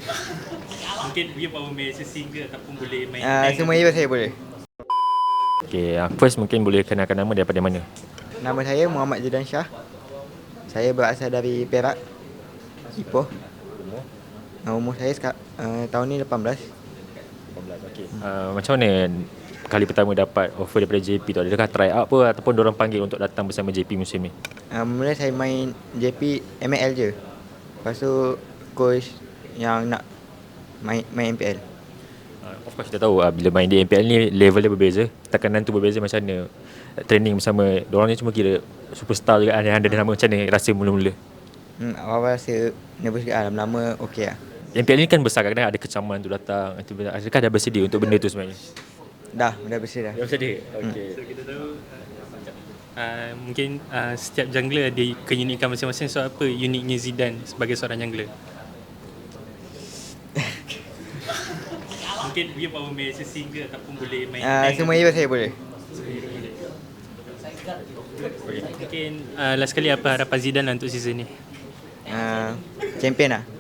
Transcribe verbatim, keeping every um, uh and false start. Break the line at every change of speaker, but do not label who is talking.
Mungkin dia baru main single ataupun boleh main
Uh,
tank
semua
atau-
event saya boleh.
Okay, uh, first mungkin boleh kenalkan nama daripada mana?
Nama saya Muhammad Zidan Shah. Saya berasal dari Perak, Ipoh. Uh, umur saya seka- uh, tahun ni lapan belas.
Okay. Uh, macam mana kali pertama dapat offer daripada J P tu? Adakah try out apa ataupun diorang panggil untuk datang bersama J P musim ni?
Uh, mula saya main J P M L je. Lepas tu coach yang nak main main M P L.
Uh, of course kita tahu uh, bila main di M P L ni level dia berbeza, tekanan tu berbeza. Macam mana training bersama diorang ni? Cuma kira superstar juga, ada ada nama. Macam mana rasa mula-mula?
Hmm, awal-awal rasa nervous juga, lama-lama okey lah.
M P L ni kan besar, kadang-kadang ada kecaman tu datang. Itu, adakah dah bersedia untuk benda tu sebenarnya?
Dah, dah bersih dah.
Dah bersedia? Okay.
So kita tahu uh, mungkin uh, setiap jungler ada keunikan masing-masing. So apa uniknya Zidane sebagai seorang jungler? Mungkin dia baru main single ataupun boleh main
Uh,
tank
semua
atau-
event saya boleh.
Mungkin uh, last kali apa harapan Zidane lah untuk season ni?
Uh, champion lah.